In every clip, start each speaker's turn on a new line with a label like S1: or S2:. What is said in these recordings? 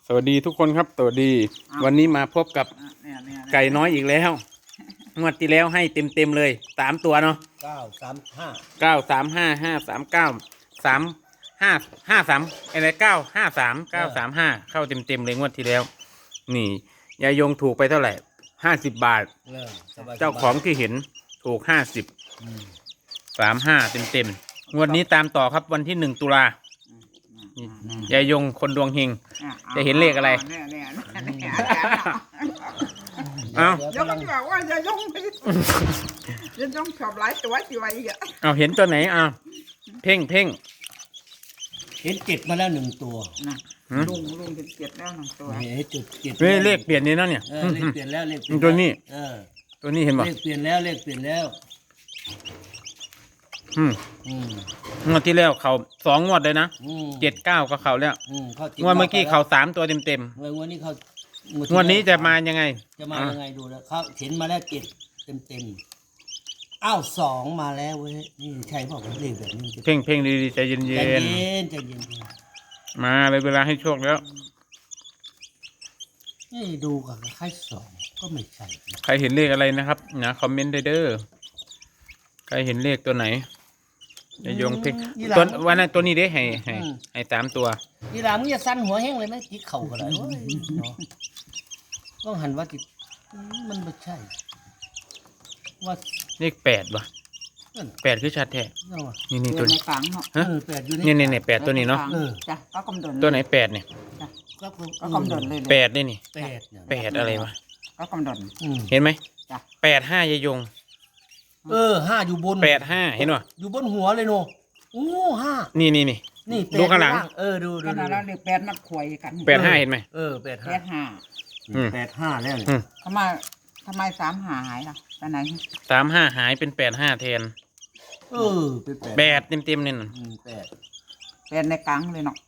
S1: สวัสดีทุกคนครับสวัสดีวันนี้มาพบกับไก่น้อยอีกแล้วงวดที่แล้วให้เต็มเลย3 ตัวเนาะ935 539 355 อะไร953 935เข้าเต็มเลยงวดที่แล้วนี่ยายงถูกไปเท่าไหร่50 บาทเจ้าของที่เห็นถูก5035เต็มงวดนี้ตามต่อครับวันที่1 ตุลายายงคนดวงเฮงจะเห็นเลขอะไรเอา
S2: ยงบอกว่าจะยงไปจะยงชอบหลายตัวสิวะอีกอ่ะ
S1: เอาเห็นตัวไหนเพ่ง
S3: เห็น7มาแล้ว1 ตัว
S2: ลุงเห็น7แล้ว1 ตัว
S3: เห็นจุด7
S1: เลขเปลี่ยนนี่เนาะเนี่ย
S3: เลขเปลี่ยนแล้วเลข
S1: ตัวนี้ตัวนี้เห็นป่ะ
S3: เลขเปลี่ยนแล้ว
S1: งวดที่แล้วเขา2 งวดเลยนะ7-9ก็เขาแล้วงวดเมื่อกี้เขา3 ตัวเต็ม
S3: งวดนี้เขา
S1: งวดนี้จะมายังไง
S3: ดูแล้วเขาเห็นมาแล้ว7เต็มอ้าว2มาแล้วเว้ยนี่ใช่เปล่าเลขแบบนี้
S1: เพ่งดีๆใจเย็นมาเลยเวลาให้โชคแล้ว
S3: นี่ดูกับคล้าย2ก็ไม่ใช่
S1: ใครเห็นเลขอะไรนะครับนะคอมเมนต์ได้เด้อใครเห็นเลขตัวไหนจะโยงเพ่งตัววันนั้นตัวนี้ได้ให้3 ตัว
S3: ยีรามึงจะสั้นหัวแห้งเลยไหมจิกเข่าก็ได้ต้องหันว่าจิตมันไม่ใช่ว่า
S1: เลข8ว่ะ8คือชัดแท้นี่ตัวนี้
S2: ฝังเนาะ
S1: 8อยู่นี่8ตัวนี้เนาะ
S2: จ้ะก็กำดน
S1: ตัวไหน8เนี่ย
S2: ก็กำดนเลย
S1: 8นี่8อะไรวะ
S2: ก็กำดน
S1: เห็นไหม85ยายง
S3: 5อยู่บน
S1: 85เห็นป่ะ
S3: อยู่บนหัวเลยโน5
S1: นี่ดูข้างหลัง
S3: ดู
S2: ขนาดเราเด็ก8นักขวยกัน
S1: 85เห็นไหม
S3: 85แล้ว
S2: ทำไม35หายล่ะไปไหน
S1: 35หายเป็น85แทน
S3: เป็น
S1: 8เต็มนี่
S2: 8ในกลางเลยเนาะ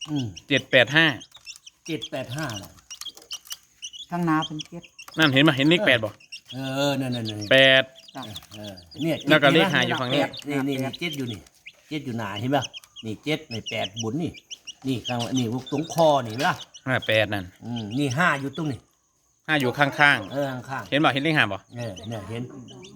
S1: 785
S3: เลย
S2: ข้างหน้าเป็น7
S1: นั่นเห็นไหมเห็นเลข8บ่
S3: นั่น
S1: 8เนี่ยแล้วก็เลข5อยู่ฝั่งนี้
S3: นี่7อยู่นี่7อยู่หน้าเห็นป่ะนี่7นี่8บุญนี่ข้างนี่ตรงคอนี่ป่ะ
S1: 8นั่น
S3: นี่5อยู่ตรงนี้
S1: 5อยู่ข้าง
S3: ข้าง
S1: เห็นบ่เห็นเลข5บ่
S3: เนี่ยเห็น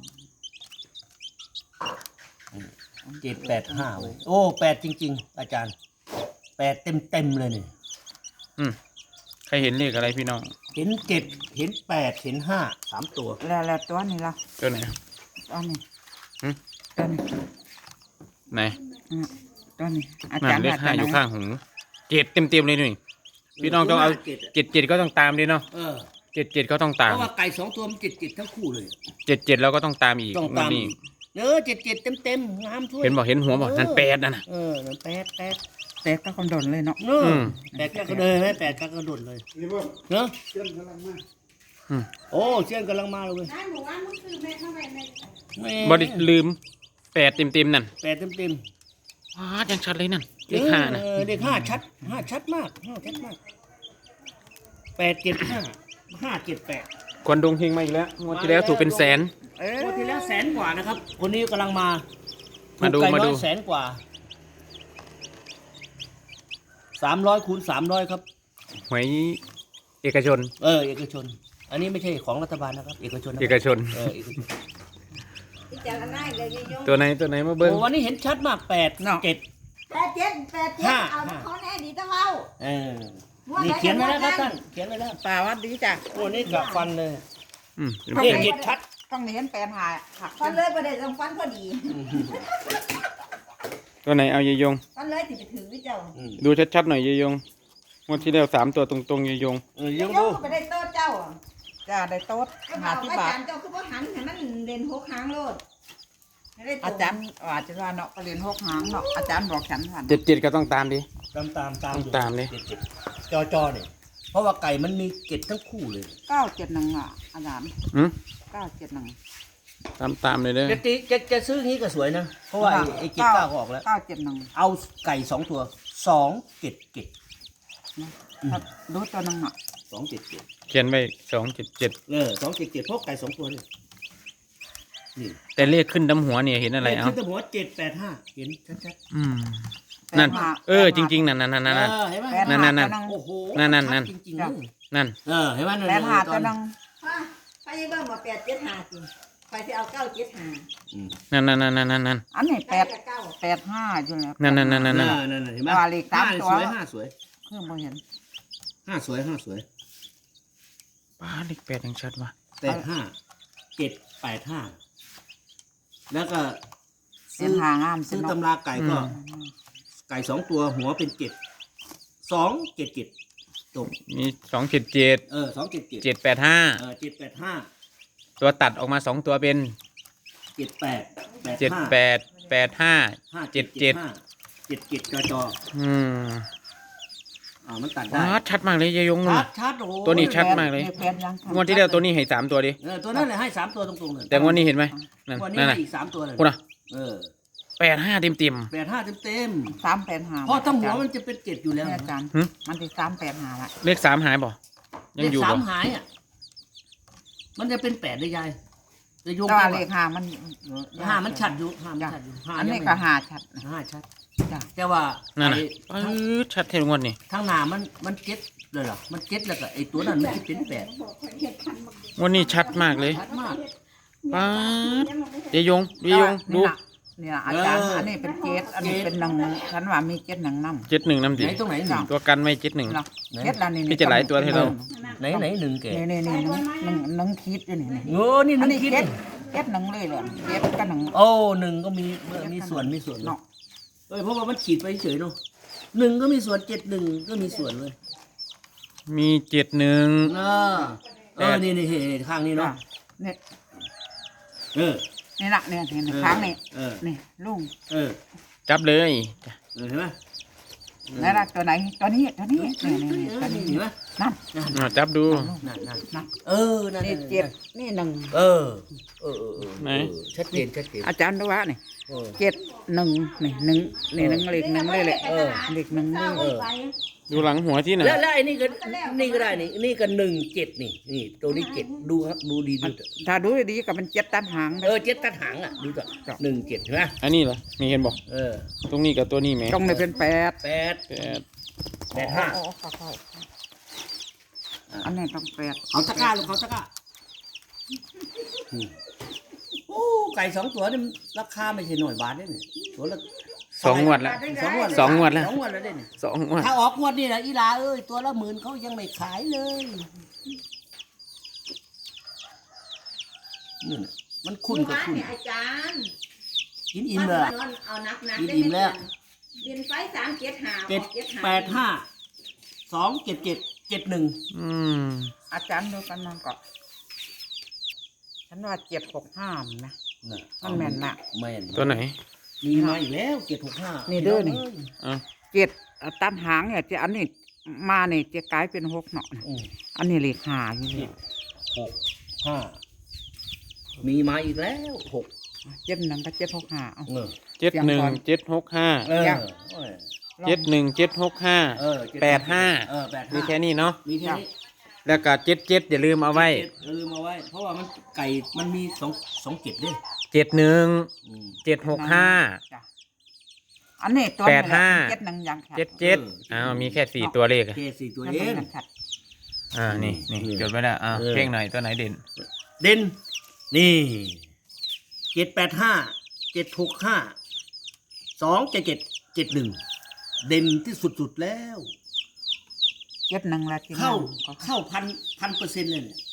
S3: 785โอ้8จริงๆอาจารย์8เต็มเลยนี่
S1: ใครเห็นเลขอะไรพี่น้อง
S3: เห็น7เห็น8เห็น5 3 ตัว
S2: แล้วตัวนี้ล่ะ
S1: ตัวไหน
S2: ตัวนี้ตัวนี้
S1: ไหน
S2: ตัวนี้
S1: อาจารย์เลข5อยู่ข้างหู7เต็มเลยนี่พี่น้องต้องเอา7ก็ต้องตามดิเนาะ7ก็ต้องตาม
S3: เพราะว่าไก่2 ตัวมัน7ทั้งคู่เลย
S1: 7แล้วก็ต้องตามอีกนี่
S3: 7เต็มงามช่วย
S1: เห็นบ่เห็นหัวบ่นั่น8นั่นน่ะ
S3: นั่น8
S2: ก็กำดนเลยเนาะ
S3: 8ก็เดินไหม8ก็กระโดดเลยเนาะเชี่ยนกำลังมาโอ้เชี่ยนกำลังมาเลย
S1: บ่ได้ลืม8เต็มนั่น
S3: 8เต็ม
S1: ยังชัดเลยนั่นเลข5นะ
S3: เลข5ชัดมาก875
S1: คนดวงเฮงมาอีกแล้วงวดที่แล้วถูกเป็นแสน
S3: งวดที่แล้ว100,000 กว่านะครับคนนี้กำลังมา
S1: ดู
S3: 100,000 กว่า300 คูณ 300ครับ
S1: หวยเอกชน
S3: เอกชนอันนี้ไม่ใช่ของรัฐบาลนะครับเอกชน
S1: ตัวไหนมาเบิ้ง
S3: วันนี้เห็นชัดมาก8 7
S2: เอาเขาแน่ดีต้องเอา
S3: นี่เขียนไว้แล้วครับท่านเขียนไว้แล้ว
S2: ป่าวัดดีจ้ะ
S3: วันนี้กับฟันเลยเจ็ดชัด
S2: ต้องเห็น8หาฟันเลยประเดี๋ยวต้องฟันพอดี
S1: ตัวไหนเอายายง
S2: ฟันเลยติดไปถือวิเจ้า
S1: ดูชัดๆหน่อยยายงงวดที่แล้ว3 ตัวตรงยายง
S2: ยงดูไปได้โต๊ะเจ้าจ้าได้โต๊ะหาที่บาทเจ้าคือว่าหันให้มันเด่น6 หางโลดอาจารย์ว่าเนาะเรียน6 หางเนาะอาจารย์บอกฉันว่า
S1: 7ก็ต้องตามดิ
S3: ตามดิจอเนี่ยเพราะว่าไก่มันมี7ทั้งคู่เลย
S2: 971อาจารย์971
S1: ตามเลยเด้อ
S3: จะซื้อนี้ก็สวยนะเพราะว่าไอ้7 9ออกแล้ว
S2: 971
S3: เอาไก่2 ตัว277
S2: ดูตัวนึงอ่ะ
S3: 277
S1: เขียนไว้277
S3: 277เพราะไก่2 ตัวนี่
S1: แต่เลขขึ้นดำหัวเนี่ยเห็นอะไร
S3: ขึ้นดำหัว785เห็นชัด
S1: นั่น
S2: แปดห้า
S1: จริงๆนั่น
S3: เห็นไหม
S2: แปด
S1: นั่
S2: ห้าน
S1: นั่น
S2: ตัวหง
S3: โอ้โห
S1: นั่น
S3: ชัดจริงๆเลย
S1: นั่น
S3: เห็นไหม
S2: แปดห้าตัวหนึง
S4: พ่อยังเบิ่งมา875สิไปสิเอา975
S1: นั่นนั่น
S2: อันนี้
S4: แปด
S2: แปดห้าอยู่แล้ว
S1: นั่น
S3: นั่นเห็นไหม
S2: ว่าเลขตามตัว
S3: ห้าสวย
S2: เครื่องบ่เห็น
S3: ห้าสวยห้าสวย
S1: ป้าเลขแปดยังชัดว่ะ
S3: 85 785แล้วก็
S2: เส้นหางาม
S3: ซื้อ
S2: เนาะ
S3: ตำราไก่ก็ ไก่2 ตัวหัวเป็น7 ตก
S1: มี277
S3: 277
S1: 785
S3: 785
S1: ตัวตัดออกมา2ตัวเป็น
S3: 78
S1: 78 85
S3: 77จอ มันตัดได้
S1: ว้าชัดมากเลยยายยงนู่น
S3: ชัดโอ้โห
S1: ตัวนี้ชัดมากเลย
S2: แปดยัง
S1: งวดที่แล้วตัวนี้ให้3ตัวดิ
S3: ตัวนั้นเลยให้3 ตัวตรงๆเลย
S1: แต่งวดนี้เห็นไหมนั่น
S3: วันนี้
S1: นั่น
S3: ให้
S1: น่ะ
S3: อีก3 ตัวเลย
S1: พูดนะ
S3: 85
S1: 85เต็ม
S3: เต็ม
S2: 385
S3: เพราะทั้งหัวมันจะเป็น7อยู่แล้ว
S2: เนี่ยอาจารย์
S1: หึ
S2: มันสิ385ละ
S1: เลข3หายบ่ยังอยู่
S3: เลข
S1: บ่
S3: 3หายอ่ะมันจะเป็น8ได้ยายจะโยง
S2: แต่ว่า
S3: ไป
S2: เลขห้ามัน
S3: 5มันชัดอยู่5มัน
S2: จ้ะ
S3: ชัดอยู่
S2: อันนี้ก็ห้าชัด
S3: 5ชัด
S2: จ้ะ
S3: แต่ว่า
S1: นั่นน่ะ
S3: ไอ้
S1: ชัดเท่งวดนี่
S3: ทั้งหน้ามันเจ็ดเลยเหรอมันเจ็ดแล้วก็ไอ้ตัวนั้นมันจะเป็น8
S1: งวดนี้ชัดมากเลย
S3: ชัดมาก
S1: ป้าดยายยงดู
S2: นี่ล่ะอาจารย์อันนี้เป็นเจ็ดอันนี้เป็นหนึ่งฉันว่ามีเจ็ดหนึ่งน้ำ
S1: 71น้ำดิ
S3: ไหนตรงไหนหนึ่ง
S1: ตัวกันไม่71
S2: เนาะเจ็ดละนี่
S1: พี่จะหลายตัวให้เรา
S3: ไหนหนึ่งแก
S2: นี่หนึ่งคิดอยู่นี่
S3: โอ้นี่ห
S2: อัน
S3: นึ่ง
S2: นี้
S3: คิด
S2: เจ็ดหนึ่งเลยเลยเจ็ดกับหนึ่ง
S3: โอ้1ก็มีส่วนเนาะ
S2: เนาะ
S3: เพราะว่ามันขีดไปเฉยเนาะ1ก็มีส่วน71ก็มีส่วนเลย
S1: มี71
S3: นี่ข้างนี้เนาะ
S2: นี่
S3: เออ
S2: นี่ละเนี่ยค้างนี่
S3: เออ
S2: นี่ลุง
S3: เออ
S1: จับเลย
S3: เห็นไหม
S2: นี่ละตัวไหนตัวนี้ตัวนี้นี่ตัวนี้
S3: เห็นไหม
S2: นั่น
S1: จับดู
S3: นั่น
S2: นั่น
S3: นั่น
S2: นี่เจ็ดนี่หนึ่ง
S1: ไหน
S3: ชัดเจน
S2: อาจารย์ดูว่านี่เจ็ดหนึ่งนี่หนึ่งนี่หนึ่งเลขหนึ่งเลยแหละเลขหนึ่งเลย
S1: ดูหลังหัวที่ไหน
S3: แล้วไอ้นี่ก็ได้นี่ก็17นี่ตัวนี้7ดูครับดูดีดู
S2: ถ้าดูดีๆก็เป็นเจ็ดตันหาง
S3: 7ตัดหางอ่ะดูต่อ17เห็นไหม
S1: อันนี้เหรอมีเห็นบอกตรงนี้กับตัวนี้ไหม
S2: ตรงนี้เป็นแปด
S3: 85
S2: โอ้อันนี้ต้องแปด
S3: เขาตะกร้าลูกเขาตะกร้าโอ้ไก่2 ตัวนี่ราคาไม่ใช่หน่อยบาทเนี่ยตัวละ
S1: 2 งวดละ
S3: 2 งวดแล้วเนี่ย
S1: 2 งวด
S3: ถ้าออกงวดนี่นะอีหลาตัวละ10,000เขายังไม่ขายเลยนี่นะมันคุ้นกับคุ้น
S4: อาจารย์
S3: กินอิ่มเลย
S4: เอานัก
S3: กินอิ่มแล้ว
S4: เรียนไฟ375
S3: 785 277 71
S1: อืม
S2: อาจารย์ดูกันนั่นก็ฉันว่า765นะ มันแม่นน่ะ
S3: แม่น
S1: ตัวไหน
S3: มีมาอีกแล้ว765
S2: นี่เด้อนี่
S1: อ่ะ
S2: เจ็ดตันหางเนี่ยจะอันนี้มาเนี่ยจะกลายเป็นหกเนาะ
S3: อืม
S2: อันนี้เลขห้าอยู่นี่
S3: 65มีมาอีกแล้ว6
S2: เจ็ดหนึ่งกับ765เอา
S1: 71 765
S3: เออ
S1: 71 765 85 มีแค่นี้เนาะ
S3: มีแค่นี้
S1: แล้วก็77อย่าลืมเอาไว้
S3: ลืมเอาไว้ เพราะว่ามันไก่มันมี2 7ด้วย
S1: 71 765
S2: จ้ะอันนี้ตัว
S1: 85
S2: เจ็ดหนึ่งยังค่ะ
S1: 77อ้าวมีแค่4ตัวเลขอะ
S3: แค่4 ตัว
S2: นั่น
S3: เอง
S2: มันชัด
S1: นี่จดไว้แล้วเพ่งหน่อยตัวไหนเด่น
S3: เด่นนี่785 765 277 71เด่นที่สุดๆแล้ว
S2: เจ็ดหนึ่งละที่
S3: เข้า
S2: เข้า
S3: 1,000% เลยเนี่ย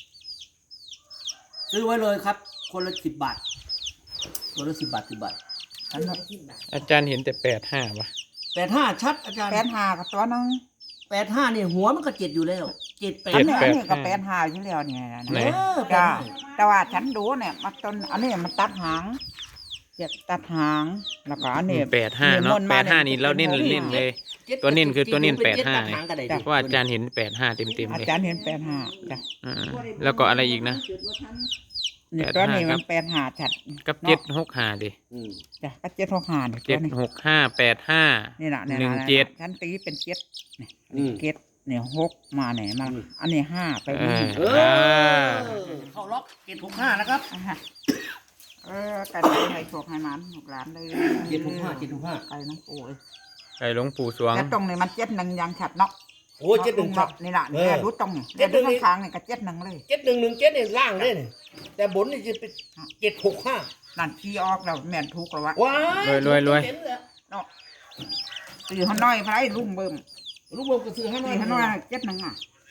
S3: ซื้อไว้เลยครับ คนละ10 บาทคนละ10 บาท10 บาท
S2: อันนั้น
S1: อาจารย์เห็นแต่85ป่ะ
S3: 85ชัดอาจารย์
S2: 85กับตัวนึง
S3: 85นี่หัวมันก็7อยู่แล้ว7
S2: อัน
S3: 8
S2: นี้ก็85อยู่แล้วเนี่ยนะ
S1: ไหน
S2: จ้าแต่ว่าฉันดูเนี่ยมันต้นอันนี้มันตัดหางเจ็ดตัดหางแล้วก็อันนี้
S1: 85เนาะ85นี่เราเน้นเลย ตัวเน้นคือตัวเน้น85 เพราะว่าอาจารย์เห็น85เต็ม
S2: อา
S1: เลย
S2: จารย์เห็น85จ้ะ
S1: แล้วก็อะไรอีกนะ
S2: นี่ตัวนี้มัน85ชัด
S1: กับ765ดิ
S2: จ้ะก็765นี่ตัวนี้
S1: 765
S2: นี่น่ะนี่
S1: หนึ่ง
S2: น่ะ
S1: เจ็ด
S2: ฉันตีเป็น7นี่เจ็ดเนี่ย6มาเนี่ยมาอันนี้5ไปนี่
S3: เข้าล็อก765นะครับ
S2: กันให้โชคให้มันลูกหลานเลย
S3: 765
S2: ไปน้องโอ้ย
S1: ไก่หลวงปู่สวง
S2: แต่ตรงนี้มัน7-1ยังชัดเนาะ
S3: โอ้ย71ครับ
S2: นี่ล่ะนี่รู้ตรงนี่แต่ดูข้างๆนี่ก็7-1เลย
S3: 7117เนี่ยล่างเลยนี่แต่บนนี่จะเป็น765
S2: นั่นขี้ออกแล้วแม่นถูกแล้ววะ
S3: ว้าย
S1: รวย
S3: เห็นเลย
S2: เนาะตีหัวน้อยไผลุงเบิ่ม
S3: ลูกเบิ่มก็ซื้อให้หน่
S2: ตี
S3: อย
S2: หัวน้อย7-1อ่ะ